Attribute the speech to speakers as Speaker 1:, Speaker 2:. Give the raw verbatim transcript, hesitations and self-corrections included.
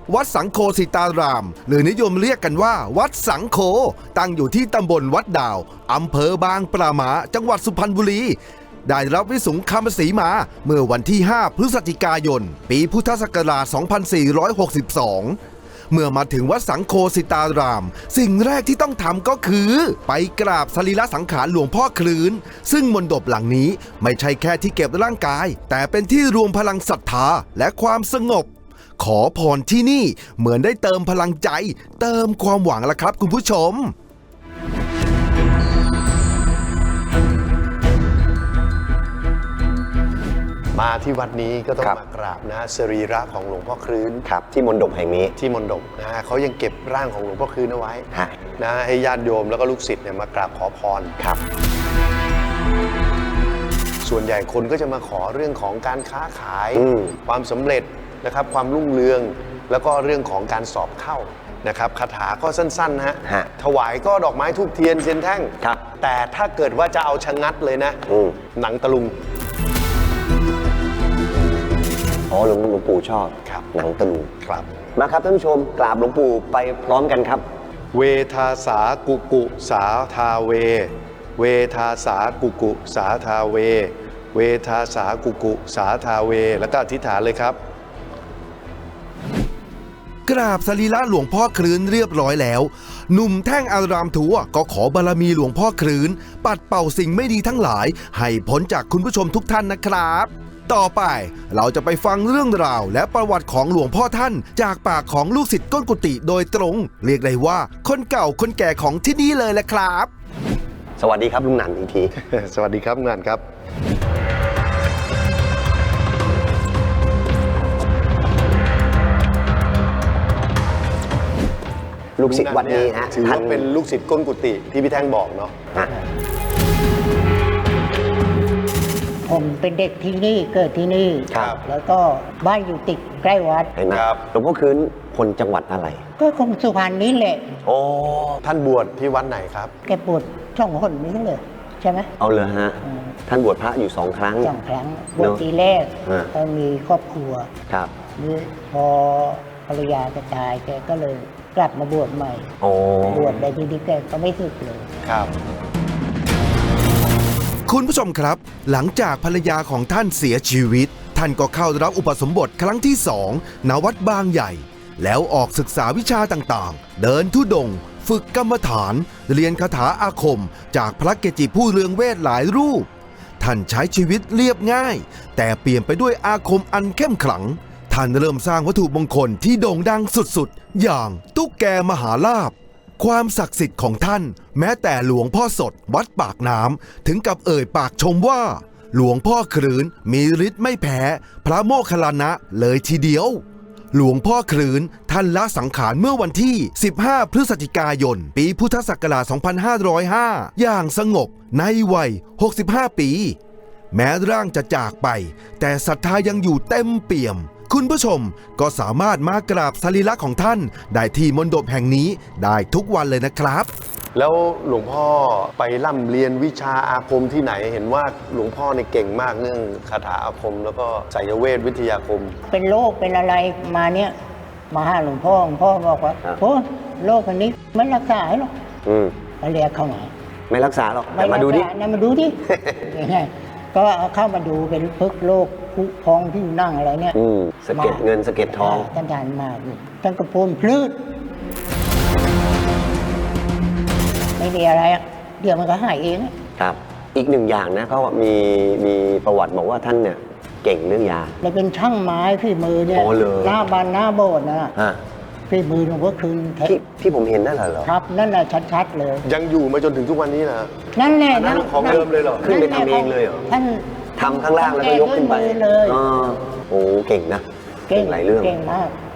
Speaker 1: วัดสังโฆสิตารามหรือนิยมเรียกกันว่าวัดสังโฆตั้งอยู่ที่ตำบลวัดดาวอำเภอบางปราหมาจังหวัดสุพรรณบุรีได้รับวิสุงคำศรีมาเมื่อวันที่ห้าพฤศจิกายนปีพุทธศักราชสองพันสี่ร้อยหกสิบสองเมื่อมาถึงวัดสังโฆสิตารามสิ่งแรกที่ต้องทำก็คือไปกราบสรีระสังขารหลวงพ่อคลื้นซึ่งมณฑปหลังนี้ไม่ใช่แค่ที่เก็บร่างกายแต่เป็นที่รวมพลังศรัทธาและความสงบขอพรที่นี่เหมือนได้เติมพลังใจเติมความหวังละครับคุณผู้ชม
Speaker 2: มาที่วัดนี้ก็ต้องมากราบนะสรีระของหลวงพ่อคลื้น
Speaker 3: ครับที่มณฑปแห่งนี้
Speaker 2: ที่มณฑปนะฮะเขายังเก็บร่างของหลวงพ่อคลื้นเอาไว้นะให้ญาติโยมแล้วก็ลูกศิษย์เนี่ยมากราบขอพร
Speaker 3: ครับ
Speaker 2: ส่วนใหญ่คนก็จะมาขอเรื่องของการค้าขายความสำเร็จนะครับความรุ่งเรืองแล้วก็เรื่องของการสอบเข้านะครับคาถาก็สั้นๆนะฮะถวายก็ดอกไม้ทูบเทียนเทียนแท่งแต่ถ้าเกิดว่าจะเอาชะงัดเลยนะหนังตะลุง
Speaker 3: อ๋อหลวงหลวงปู่ชอบหนังตะลุง
Speaker 2: ครับ
Speaker 3: มาครับท่านผู้ชมกราบหลวงปู่ไปพร้อมกันครับ
Speaker 2: เวทาสากุกุสาทาเวเวทาสากุกุสาทาเวเวทาสากุกุสาทาเวแล้วก็อธิษฐานเลยครับ
Speaker 1: กราบสรีระหลวงพ่อคลื้นเรียบร้อยแล้วหนุ่มแท่งอารามทัวก็ขอบารมีหลวงพ่อคลื้นปัดเป่าสิ่งไม่ดีทั้งหลายให้พ้นจากคุณผู้ชมทุกท่านนะครับต่อไปเราจะไปฟังเรื่องราวและประวัติของหลวงพ่อท่านจากปากของลูกศิษย์ก้นกุฏิโดยตรงเรียกได้ว่าคนเก่าคนแก่ของที่นี่เลยแหละครับ
Speaker 3: สวัสดีครับลุงหนันอีกที
Speaker 2: สวัสดีครับลุงหนันครับ
Speaker 3: ลูกศิษย์วัดนี้ฮะ
Speaker 2: ถือว่าเป็นลูกศิษย์ก้นกุฏิที่พี่แท่งบอกเนาะ
Speaker 4: ผมเป็นเด็กที่นี่เกิดที่นี่แล้วก็บ้านอยู่ติดใกล้วัด
Speaker 3: เห็นไหมหลวงพ่อคลื้นคนจังหวัดอะไร
Speaker 4: ก็คงสุพรรณนี้แหละ
Speaker 2: โอ้ท่านบวชที่วัดไหนครับ
Speaker 4: แกบวชช่องหนนี้เลยใช่ไหม
Speaker 3: เอาเลยฮะท่านบวชพระอยู่สองครั้ง
Speaker 4: สองครั้งบวชทีแรกก็มีครอบครัว
Speaker 3: ครับ
Speaker 4: นี่พอภรรยาจะตายแกก็เลยกลับมาบวชใหม่บวชได้ทีนี้แกก็ไม่สึกเลย
Speaker 2: ครับ
Speaker 1: คุณผู้ชมครับหลังจากภรรยาของท่านเสียชีวิตท่านก็เข้ารับอุปสมบทครั้งที่สองณวัดบางใหญ่แล้วออกศึกษาวิชาต่างๆเดินธุดงค์ฝึกกรรมฐานเรียนคาถาอาคมจากพระเกจิผู้เรืองเวทหลายรูปท่านใช้ชีวิตเรียบง่ายแต่เปลี่ยนไปด้วยอาคมอันเข้มขลังท่านเริ่มสร้างวัตถุมงคลที่โด่งดังสุดๆอย่างตุ๊กแกมหาลาภความศักดิ์สิทธิ์ของท่านแม้แต่หลวงพ่อสดวัดปากน้ำถึงกับเอ่ยปากชมว่าหลวงพ่อคลื้นมีฤทธิ์ไม่แพ้พระโมคคัลลานะเลยทีเดียวหลวงพ่อคลื้นท่านละสังขารเมื่อวันที่สิบห้าพฤศจิกายนปีพุทธศักราชสองพันห้าร้อยห้าอย่างสงบในวัยหกสิบห้าปีแม้ร่างจะจากไปแต่ศรัทธายังอยู่เต็มเปี่ยมคุณผู้ชมก็สามารถมากราบสรีระของท่านได้ที่มณฑปแห่งนี้ได้ทุกวันเลยนะครับ
Speaker 2: แล้วหลวงพ่อไปร่ำเรียนวิชาอาคมที่ไหนเห็นว่าหลวงพ่อในเก่งมากเรื่องคาถาอาคมแล้วก็ไสยเวทวิทยาคม
Speaker 4: เป็นโรคเป็นอะไรมาเนี้ยมาหาหลวงพ่อหลวงพ่อบอกว่าโอ้โรคอันนี้ไม่รักษาหรอกก็เรียกเข้ามา
Speaker 3: ไม่รักษาหรอกแต่มาดูดิ
Speaker 4: มาดูดิก็เข้ามาดูเป็นพึกโรคผู้พองที่นั่งอะไรเนี่ย
Speaker 3: สะเก็ดเงินสะเก็ดทอง
Speaker 4: ท่านทานมาท่านกระพูนพลืดไม่มีอะไรเดี๋ยวมันก็หายเอง
Speaker 3: ครับอีกหนึ่งอย่างนะเขามีมีประวัติบอกว่าท่านเนี่ยเก่งเรื่องยา
Speaker 4: เลยเป็นช่างไม้ฝีมือเนี่ยหน้าบานหน้าโบสถ์นะฝีมือหลวงพ่อคลื้น
Speaker 3: ที่ที่ผมเห็นนั่นเหรอ
Speaker 4: ครับนั่นแหละชัดๆเลย
Speaker 2: ยังอยู่มาจนถึงทุกวันนี้นะ
Speaker 4: นั่นแหละ
Speaker 2: นั่นของเดิมเลยเหรอ
Speaker 3: ขึ้นไปทำเองเลยเหรอ
Speaker 4: ท่าน
Speaker 3: ทำข้างล่างแล้วก็ยกขึ้นไป
Speaker 4: เลย
Speaker 3: โอ้เก่งนะ
Speaker 4: เก่ง
Speaker 3: หลายเรื่อง
Speaker 4: เก่งมาก